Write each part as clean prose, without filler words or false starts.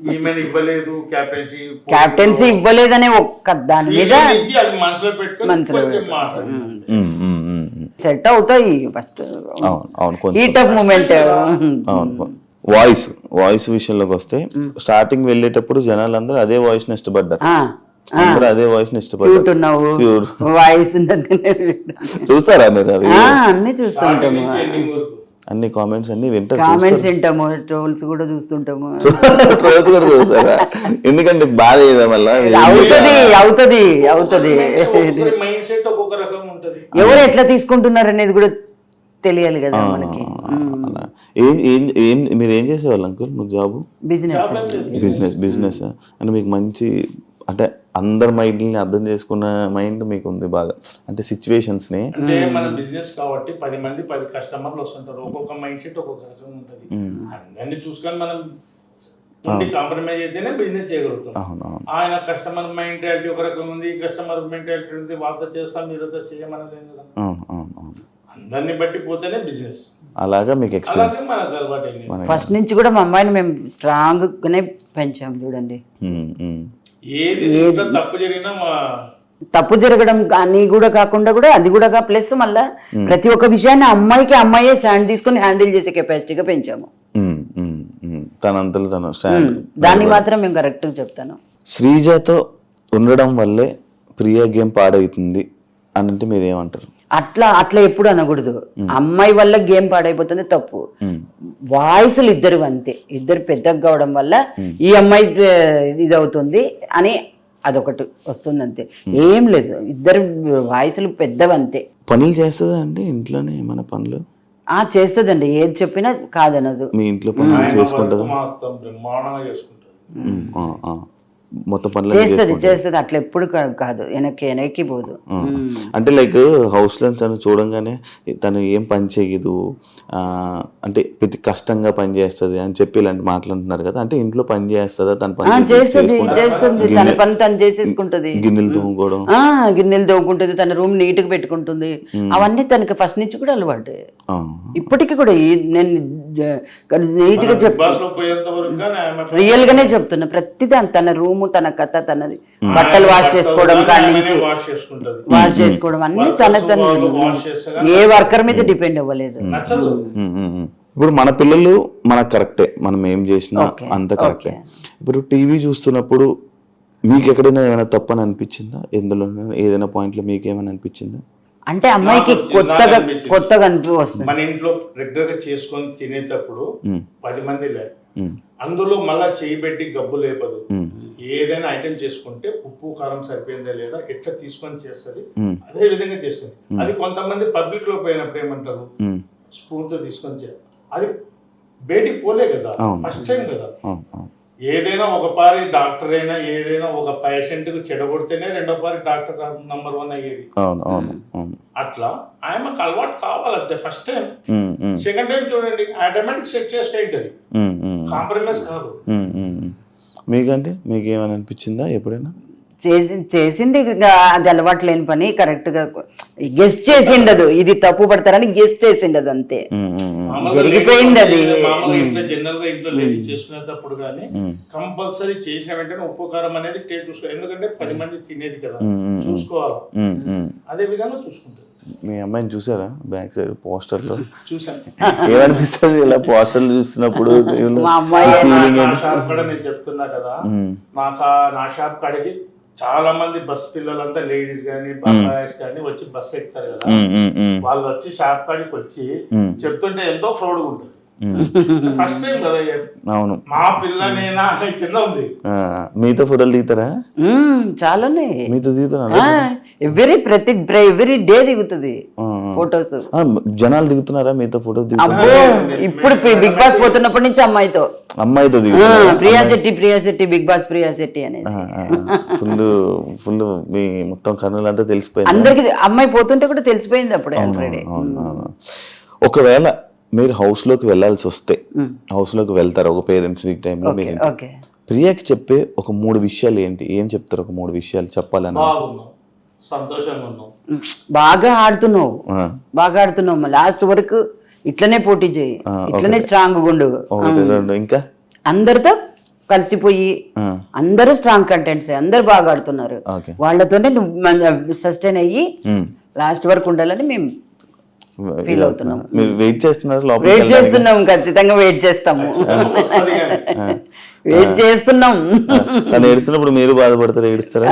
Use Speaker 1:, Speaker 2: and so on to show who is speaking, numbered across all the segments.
Speaker 1: Captaincy ఇవ్వలేదనే ఒక్క దాని మీద సెట్ అవుతాయి ఫస్ట్ ఈ టఫ్ మూమెంట్.
Speaker 2: వాయిస్ విషయంలోకి వస్తే స్టార్టింగ్ వెళ్ళేటప్పుడు జనాలందరూ అదే వాయిస్ ని ఇష్టపడ్డారు, అందరూ అదే వాయిస్ ని ఇష్టపడ్డారు.
Speaker 1: వాయిస్
Speaker 2: చూస్తారా మీరు? అవి
Speaker 1: అన్ని చూస్తుంటాము,
Speaker 2: అన్ని కామెంట్స్ అన్ని వింటారు,
Speaker 1: కామెంట్స్ వింటాము, ట్రోల్స్ కూడా చూస్తుంటాము.
Speaker 2: ట్రోల్స్ కూడా చూస్తారా? ఎందుకంటే బాధ ఏదా వల్ల
Speaker 1: అవుతుంది ఎవరు ఎట్లా తీసుకుంటున్నారు అనేది కూడా తెలియాలి కదా మనకి.
Speaker 2: మీరు ఏం చేసేవాళ్ళు అంకుల్? మీకు జాబ్? బిజినెస్ అంటే మీకు మంచి, అంటే అందరి మైండ్ ని అర్థం చేసుకున్న మైండ్ మీకు ఉంది బాగా, అంటే సిచ్యువేషన్స్ ని.
Speaker 3: అంటే మన బిజినెస్ కాబట్టి 10 మంది 10 కస్టమర్లు వస్తుంటారు, ఒక్కొక్క మైండ్ సెట్ ఒక్కొక్క రకంగా ఉంటుంది. అందరినీ చూసుకొని మనం కాంప్రమైజ్ అయితేనే బిజినెస్ చేయగలుగుతాం. ఆయన కస్టమర్ మెంటాలిటీ ఒక రకం ఉంది, కస్టమర్ మెంటాలిటీ ఉంది, వాళ్ళతో చేస్తాం మీరుతో చేయమని కదా, అందరిని బట్టి పోతేనే బిజినెస్.
Speaker 2: అలాగా మీకు ఎక్స్పీరియన్స్
Speaker 3: మనకు అలవాటు.
Speaker 1: ఫస్ట్ నుంచి కూడా మా అమ్మాయిని మేము స్ట్రాంగ్ గానే పెంచాం చూడండి.
Speaker 3: ఏది తప్పు జరిగినా
Speaker 1: తప్పు జరగడం కానీ కూడా కాకుండా కూడా అది కూడా ప్లస్ మళ్ళా ప్రతి ఒక్క విషయాన్ని అమ్మాయే స్టాండ్ తీసుకుని హ్యాండిల్ చేసే కెపాసిటీగా పెంచాము.
Speaker 2: తనంతలో తను స్టాండ్,
Speaker 1: దాన్ని మాత్రం మేము కరెక్ట్ చెప్తాను.
Speaker 2: శ్రీజతో ఉండడం వల్లే ప్రియా గేమ్ పాడవుతుంది అని అంటే మీరు ఏమంటారు?
Speaker 1: అట్లా ఎప్పుడు అనకూడదు. అమ్మాయి వల్ల గేమ్ పాడైపోతుంది తప్పు. వాయిస్లు ఇద్దరు అంతే, ఇద్దరు పెద్దగా కావడం వల్ల ఈ అమ్మాయి ఇది అవుతుంది అని అదొకటి వస్తుంది అంతే, ఏం లేదు. ఇద్దరు వాయిస్లు పెద్దవంతే.
Speaker 2: పనులు చేస్తుందా అండి ఇంట్లోనే? ఏమైనా పనులు
Speaker 1: చేస్తుందండి, ఏది చెప్పినా కాదనదు.
Speaker 2: మీ ఇంట్లో పనులు చేసుకుంటుంది? మొత్తం పనులు
Speaker 1: చేస్తుంది అట్లా ఎప్పుడు కాదు, వెనక్కి పోదు.
Speaker 2: అంటే లైక్ హౌస్ లో తను చూడంగానే తను ఏం పని చేయదు, అంటే ప్రతి కష్టంగా పని చేస్తుంది అని చెప్పి ఇలాంటి మాట్లాడుతున్నారు కదా, అంటే ఇంట్లో పని చేస్తుందా? తన పని
Speaker 1: చేస్తుంది, తన పని తను చేసేసుకుంటది.
Speaker 2: గిన్నెలు తోముకోవడం,
Speaker 1: గిన్నెలు తోముకుంటుంది, తన రూమ్ నీట్ గా పెట్టుకుంటుంది. అవన్నీ తనకి ఫస్ట్ నుంచి కూడా అలవాటు, ఇప్పటికి కూడా. నేను నీట్ గా చెప్తాను, రియల్ గానే చెప్తున్నా. ప్రతిదాని తన రూమ్, తన కథ, తనది బట్టలు వాష్ చేసుకోవడం కాడి నుంచి వాష్ చేసుకోవడం అన్ని తన ఏ వర్కర్ మీద డిపెండ్ అవ్వలేదు.
Speaker 2: ఇప్పుడు మన పిల్లలు మనకు కరెక్టే, మనం ఏం చేసినా అంత కరెక్టే. ఇప్పుడు టీవీ చూస్తున్నప్పుడు మీకు ఎక్కడైనా ఏమైనా తప్పని అనిపించిందా? ఎందులో ఏదైనా పాయింట్ లో మీకు ఏమైనా అనిపించిందా?
Speaker 1: అంటే అమ్మాయికి కొత్తగా అనిపిస్తుంది.
Speaker 3: మన ఇంట్లో రెగ్యులర్ గా చేసుకొని తినేటప్పుడు 10 మంది లేదు, అందులో మళ్ళా చేయి పెట్టి గబ్బు లేపదు. ఏదైనా ఐటెం చేసుకుంటే ఉప్పు కారం సరిపోయిందా లేదా ఎట్లా తీసుకొని చేస్తుంది, అదే విధంగా చేసుకుంది. అది కొంతమంది పబ్లిక్ లో పోయినప్పుడు ఏమంటారు, స్పూన్ తో తీసుకొని చేయాలి. అది బయటికి పోలే కదా, ఫస్ట్ టైం కదా. ఏదైనా ఒక పారి డాక్టర్ అయినా ఏదైనా ఒక పేషెంట్ కు చెడగొడితేనే రెండో పారి డాక్టర్ నంబర్ 1 అయ్యేది. అట్లా ఆయనకు అలవాటు కావాలంతే. ఫస్ట్ టైం, సెకండ్ టైం చూడండి ఆటోమేటిక్ సెట్ చేసుకుంటుంది, కాంప్రమైజ్ కాదు.
Speaker 2: మీకంటే మీకు ఏమైనా అనిపించిందా ఎప్పుడైనా?
Speaker 1: చేసింది అది అలవాటు లేని పని, కరెక్ట్ గా గెస్ చేసిండదు, ఇది తప్పు పడతారని గెస్ చేసిండదు అంతే, జరిగిపోయింది అది.
Speaker 3: జనరల్ గా ఇంట్లో లేడీ చేసుకునేటప్పుడు కానీ కంపల్సరీ చేసిన వెంటనే ఉప్పు కారం అనేది టేస్ట్ చూసుకోవాలి, ఎందుకంటే 10 మంది తినేది కదా, చూసుకోవాలి. అదే విధంగా చూసుకుంటారు.
Speaker 2: మీ అమ్మాయిని చూసారా బ్యాక్ సైడ్ పోస్టర్ లో?
Speaker 3: చూసాను.
Speaker 2: ఏమనిపిస్తుంది ఇలా పోస్టర్లు చూస్తున్నప్పుడు?
Speaker 3: షాప్ కూడా నేను చెప్తున్నా కదా, నా షాప్ కాడికి చాలా మంది బస్ పిల్లలంతా లేడీస్ గానీ బాయ్స్ గానీ వచ్చి బస్ ఎక్కుతారు కదా, వాళ్ళు వచ్చి షాప్ కాడికి వచ్చి చెప్తుంటే ఎంతో ప్రౌడ్గా ఉంటుంది. ఫస్ట్ టైం కదా.
Speaker 2: అవును,
Speaker 3: మా పిల్లనేనా కింద ఉంది.
Speaker 2: మీతో ఫోటోలు దిగుతారా?
Speaker 1: చాలా
Speaker 2: మీతో దిగుతున్నా,
Speaker 1: ఎవ్రీ డే దిగుతుంది ఫోటోస్.
Speaker 2: జనాలు దిగుతున్నారా మీతో ఫోటోస్?
Speaker 1: ఇప్పుడు బిగ్ బాస్ పోతున్నప్పటి నుంచి అమ్మాయితో ప్రియా శెట్టి బిగ్ బాస్ ప్రియా శెట్టి అనేసి
Speaker 2: ఫుల్ మీ మొత్తం కర్నూలు అంతా తెలిసిపోయింది
Speaker 1: అందరికి. అమ్మాయి పోతుంటే కూడా తెలిసిపోయింది అప్పుడే ఆల్రెడీ.
Speaker 2: ఒకవేళ మీరు హౌస్ లోకి వెళ్లాల్సి వస్తే, హౌస్ లోకి వెళ్తారు ఒక పేరెంట్స్ వీక్ టైంలో, ప్రియాకి చెప్పే ఒక 3 విషయాలు ఏంటి? ఏం చెప్తారు? ఒక 3 విషయాలు చెప్పాలని.
Speaker 3: సంతోషంగా ఉన్నావు,
Speaker 1: బాగా ఆడుతున్నావు, లాస్ట్ వరకు ఇట్లనే పోటీ చేయి, ఇట్లనే స్ట్రాంగ్ ఉండు,
Speaker 2: ఇంకా అందరితో
Speaker 1: కలిసిపోయి అందరూ స్ట్రాంగ్ కంటెంట్స్, అందరు బాగా ఆడుతున్నారు.
Speaker 2: ఓకే.
Speaker 1: వాళ్ళతోనే సస్టైన్ అయ్యి లాస్ట్ వరకు ఉండాలని మేము ఫీల్ అవుతున్నాం.
Speaker 2: మీరు వెయిట్ చేస్తున్నారు లోపల
Speaker 1: వెయిట్ చేస్తున్నాం, ఖచ్చితంగా వెయిట్ చేస్తాము, వెయిట్ చేస్తున్నాం.
Speaker 2: తను ఏడుస్తున్నప్పుడు మీరు బాధపడతారు, ఏడుస్తారా?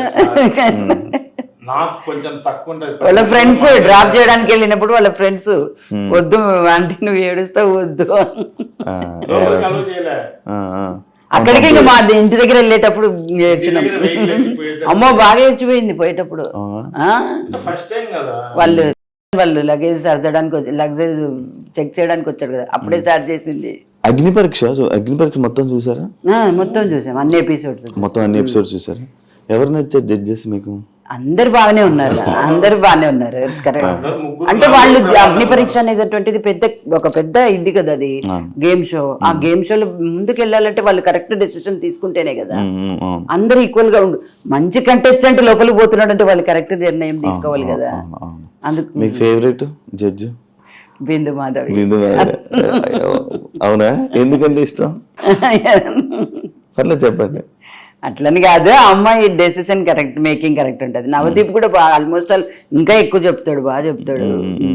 Speaker 3: నాకు కొంచెం తక్కువ ఉంటది.
Speaker 1: వాళ్ళ ఫ్రెండ్స్ డ్రాప్ చేయడానికి వెళ్ళినప్పుడు వాళ్ళ ఫ్రెండ్స్ వద్దు ఆంటీ నువ్వు ఏడుస్తావు వద్దు,
Speaker 3: లోపలికి allow చేయలే.
Speaker 1: అక్కడికి ఇంకా మా ఇంటి దగ్గర వెళ్ళేటప్పుడు ఏడ్చినాం. అమ్మో బాగా ఏడ్చిపోయింది పోయేటప్పుడు.
Speaker 3: ఫస్ట్ టైం కదా
Speaker 1: వాళ్ళు లగేజ్ సర్దడానికి లగేజ్ చెక్ చేయడానికి వచ్చాడు కదా, అప్పుడే స్టార్ట్ చేసింది.
Speaker 2: అగ్ని పరీక్ష మొత్తం చూసారా?
Speaker 1: మొత్తం చూసాం, అన్ని ఎపిసోడ్స్
Speaker 2: మొత్తం అన్ని ఎపిసోడ్స్ చూసారా? ఎవరు నచ్చారు జడ్జెస్ మీకు?
Speaker 1: అందరు బాగానే ఉన్నారు, అందరు బాగానే ఉన్నారు. కరెక్ట్. అంటే వాళ్ళు అగ్ని పరీక్ష అనేటువంటిది ఒక పెద్ద ఇది కదా, అది గేమ్ షో. ఆ గేమ్ షోలో ముందుకు వెళ్ళాలంటే వాళ్ళు కరెక్ట్ డెసిషన్ తీసుకుంటేనే కదా. అందరు ఈక్వల్ గా ఉండు. మంచి కంటెస్టెంట్ లోపలికి పోతున్నాడు అంటే వాళ్ళు కరెక్ట్ నిర్ణయం తీసుకోవాలి కదా. అందుకు
Speaker 2: మీకు ఫేవరెట్ జడ్జ్?
Speaker 1: బిందు మాధవి.
Speaker 2: అవునా? ఎందుకంటే ఇష్టం? పర్లేదు చెప్పండి.
Speaker 1: అట్లని కాదు, ఆ అమ్మాయి డెసిషన్ కరెక్ట్, మేకింగ్ కరెక్ట్ ఉంటుంది. నవదీప్ కూడా బాగా ఆల్మోస్ట్ ఇంకా ఎక్కువ చెప్తాడు, బాగా చెప్తాడు.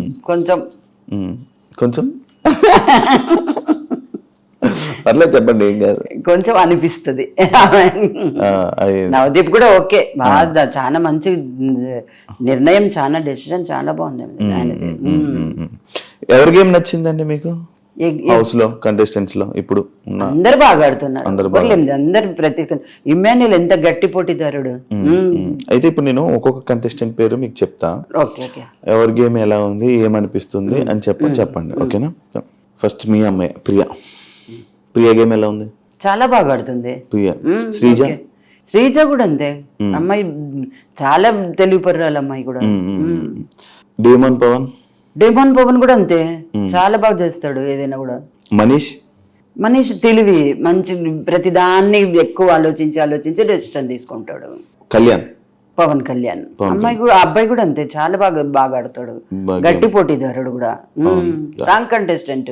Speaker 1: కొంచెం
Speaker 2: పర్లేదు చెప్పండి, ఏం కాదు.
Speaker 1: కొంచెం అనిపిస్తుంది. నవదీప్ కూడా ఓకే, బాగా చాలా మంచి నిర్ణయం, చాలా డెసిషన్ చాలా బాగుంది ఆయనది.
Speaker 2: ఎవరి గేమ్ నచ్చిందండి మీకు హౌస్ లో కంటెస్టెంట్స్ లో? ఇప్పుడు
Speaker 1: అందరు బాగా ఆడుతున్నారు, అందరు ప్రతి ఇమ్మాన్యుల్ ఎంత గట్టి పోటీదారుడు.
Speaker 2: అయితే ఇప్పుడు నేను ఒక్కొక్క కంటెస్టెంట్ పేరు మీకు చెప్తా, ఎవరి గేమ్ ఎలా ఉంది, ఏమనిపిస్తుంది అని చెప్పండి, ఓకేనా? ఫస్ట్ మీ అమ్మాయి ప్రియా గేమ్ ఎలా ఉంది?
Speaker 1: చాలా బాగా ఆడుతుంది
Speaker 2: ప్రియా.
Speaker 1: శ్రీజ కూడా అంతే, అమ్మాయి చాలా తెలివిపర్రాలు అమ్మాయి కూడా. డేమోన్ పవన్ కూడా అంతే, చాలా బాగా చేస్తాడు ఏదైనా కూడా. మనీష్ తెలివి, మంచి ప్రతిదాన్ని ఎక్కువ ఆలోచించి డెసిషన్ తీసుకుంటాడు. పవన్ కళ్యాణ్ అబ్బాయి కూడా అంతే, చాలా బాగా ఆడతాడు, గట్టి పోటీదారుడు కూడా, strong contestant.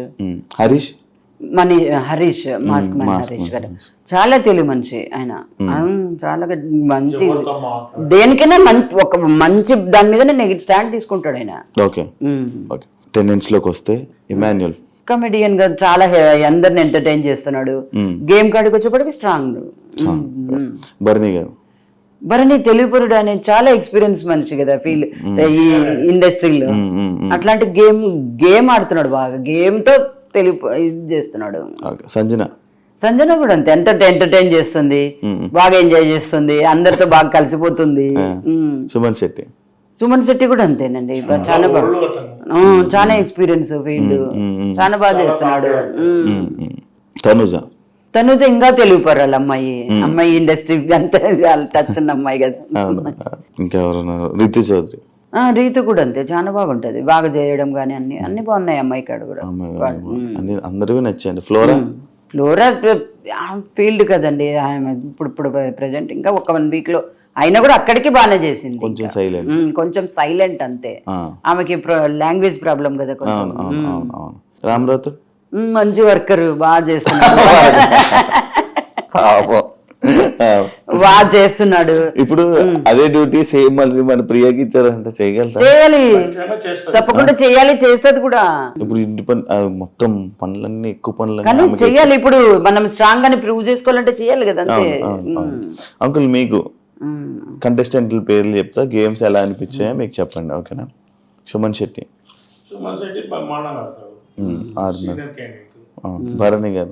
Speaker 1: Harish mask Harish గారు చాలా తెలివి మనిషి ఆయన, చాలా మంచి దేనికైనా ఒక మంచి దాని మీద స్టాండ్ తీసుకుంటాడు ఆయన.
Speaker 2: టెండెన్స్ లోకి వస్తే ఇమాన్యుల్
Speaker 1: కమెడియన్ గా చాలా అందరిని ఎంటర్టైన్ చేస్తున్నాడు. గేమ్ కాడికి వచ్చేప్పటికి స్ట్రాంగ్. భరణి తెలుగుపరుడు అనే చాలా ఎక్స్పీరియన్స్ మనిషి కదా, ఈ ఇండస్ట్రీలో. అట్లాంటి గేమ్ ఆడుతున్నాడు బాగా, గేమ్ తో ఇది చేస్తున్నాడు. సంజన కూడా అంతే, ఎంటర్టైన్ చేస్తుంది, బాగా ఎంజాయ్ చేస్తుంది, అందరితో బాగా కలిసిపోతుంది. సుమన్ శెట్టి కూడా అంతేనండి, చాలా బాగా, చాలా ఎక్స్పీరియన్స్ ఫీల్డ్, చాలా బాగా చేస్తున్నాడు. తనుజ ఇంకా తెలివిపరాలి అమ్మాయి ఇండస్ట్రీ అంతా టచ్ ఉన్న అమ్మాయి కదా. రీతు కూడా అంతే, చాలా బాగుంటది, బాగా చేయడం కానీ అన్ని బాగున్నాయి అమ్మాయి కాడ కూడా.
Speaker 2: అందరూ నచ్చాయండి.
Speaker 1: ఫ్లోరా ఫీల్డ్ కదండి ఇప్పుడు ప్రెసెంట్, ఇంకా ఒక 1 week లో అయినా కూడా అక్కడికి బాగానే చేసింది. కొంచెం సైలెంట్ అంతే, ఆమెకి లాంగ్వేజ్ ప్రాబ్లం కదా కొంచెం.
Speaker 2: రామరాజు
Speaker 1: మంచి వర్కర్, బాగా చేస్తున్నాడు, బాగా చేస్తున్నాడు.
Speaker 2: ఇప్పుడు అదే డ్యూటీ సేమ్ మళ్ళీ మన ప్రియాకి ఇచ్చారంటే
Speaker 1: చేయాలి, తప్పకుండా చేయాలి, చేస్తుంది కూడా.
Speaker 2: ఇప్పుడు ఇంటి పని మొత్తం పనులన్నీ ఎక్కువ పనులు
Speaker 1: కానీ చెయ్యాలి. ఇప్పుడు మనం స్ట్రాంగ్ అని ప్రూవ్ చేసుకోవాలంటే చేయాలి కదా.
Speaker 2: అంకుల్ మీకు కంటెస్టెంట్ల పేర్లు చెప్తా, గేమ్స్ ఎలా అనిపించాయో మీకు చెప్పండి, ఓకేనా? సుమన్ శెట్టి భరణి గారు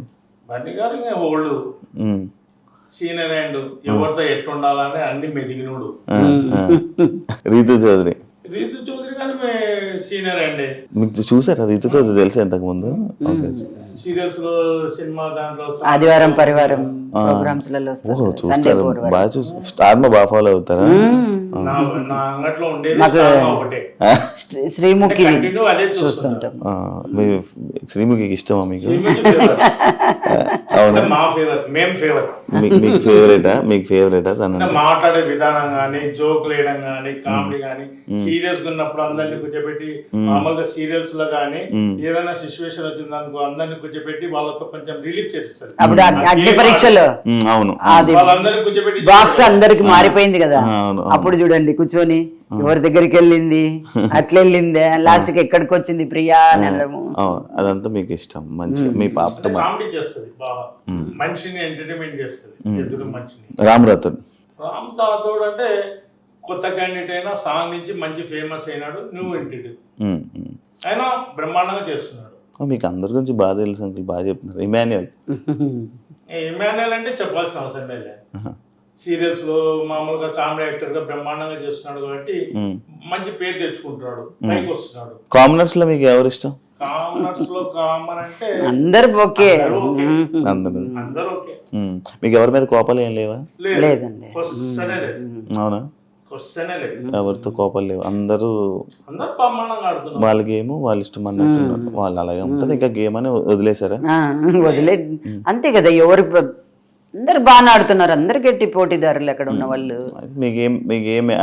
Speaker 3: సీనియర్ అండ్ ఎవరితో ఎట్లుండాలని అన్ని మెదిగినోడు.
Speaker 2: రీతు చౌదరి
Speaker 3: కానీ సీనియర్ అండి.
Speaker 2: మీకు చూసారా రీతు చౌదరి? తెలుసా ఇంతకు ముందు?
Speaker 3: సీరియల్స్ లో, సినిమా దాంట్లో,
Speaker 1: ఆదివారం పరివారం ప్రోగ్రామ్స్ లలో
Speaker 2: చూస్తారు, బాగా చూస్తారు. స్టార్ మా బాగా ఫాలో అవుతారా?
Speaker 3: నా అంగట్లో ఉండేది ఒకటే,
Speaker 1: శ్రీముఖి చూస్తుంటాం.
Speaker 2: శ్రీముఖికి ఇష్టమా మీకు?
Speaker 3: అవునా? మా ఫేవరెట్, మేము ఫేవరెట్.
Speaker 2: మీకు ఫేవరెటా
Speaker 3: మాట్లాడే విధానం గానీ, జోక్ వేయడం గానీ, కామెడీ గానీ, సీరియస్ గా ఉన్నప్పుడు అందరినీ కూర్చోబెట్టి కూర్చోబెట్టి మామూలుగా సీరియల్స్ లో గానీ ఏదైనా సిచ్యువేషన్ వచ్చింది అనుకో అందరిని కూర్చోబెట్టి వాళ్ళతో కొంచెం రిలీఫ్ చేస్తారు.
Speaker 1: అప్పుడు అగ్ని పరీక్షలో
Speaker 2: అవును
Speaker 1: అది
Speaker 3: వాళ్ళందరినీ కూర్చోబెట్టి
Speaker 1: బాక్స్ అందరికి మారిపోయింది కదా,
Speaker 2: అవును.
Speaker 1: అప్పుడు చూడండి కూర్చొని ఎవరి దగ్గరికి వెళ్ళింది, అట్లా వెళ్ళిందే, లాస్ట్ కి ఎక్కడికి వచ్చింది ప్రియా అని అనడము.
Speaker 2: అవును, అదంతా మీకు ఇష్టం మంచి మీ పాపతో.
Speaker 3: కామెడీ చేస్తుంది బాగా, మనిషిని ఎంటర్టైన్మెంట్ చేస్తుంది ఎదురు మనిషిని.
Speaker 2: రామరాథోడ్
Speaker 3: రామ్ తాతోడు అంటే కొత్త క్యాండిడేట్ అయినా సాంగ్ నుంచి మంచి ఫేమస్ అయినాడు, న్యూ ఎంటిటీ అయినా బ్రహ్మాండంగా చేస్తున్నాడు.
Speaker 2: మీకు అందరి గురించి బాగా తెలుసు అంకుల్, బాగా చెప్తున్నారు. ఇమాన్యుయల్
Speaker 3: ఇమాన్యుయల్ అంటే చెప్పాల్సిన అవసరమే లేదు, సీరియల్స్ లో మామూలుగా కామెడీ యాక్టర్ గా బ్రహ్మాండంగా చేస్తున్నాడు కాబట్టి మంచి పేరు తెచ్చుకుంటున్నాడు, పైకి వస్తున్నాడు.
Speaker 2: కామనర్స్ లో మీకు ఎవరు ఇష్టం?
Speaker 3: కామనర్స్ లో కామన్ అంటే
Speaker 1: అందరు ఓకే,
Speaker 3: అందరూ ఓకే.
Speaker 2: మీకు ఎవరి మీద కోపాలు ఏం లేవా?
Speaker 1: లేదండి.
Speaker 3: క్వశ్చనే లేదు,
Speaker 2: అవునా?
Speaker 3: క్వశ్చనే లేదు,
Speaker 2: ఎవరితో కోపాలు లేవు, అందరూ
Speaker 3: బ్రహ్మాండంగా ఆడుతున్నారు.
Speaker 2: వాళ్ళ గేమ్ వాళ్ళ ఇష్టం అన్నట్టున్నారు, వాళ్ళు అలాగే ఉంటుంది. ఇంకా గేమ్ అని వదిలేసారా?
Speaker 1: వదిలే అంతే కదా, ఎవరు అందరు బాగా ఆడుతున్నారు, అందరు గట్టి పోటీదారులు అక్కడ ఉన్న వాళ్ళు.
Speaker 2: మీకేం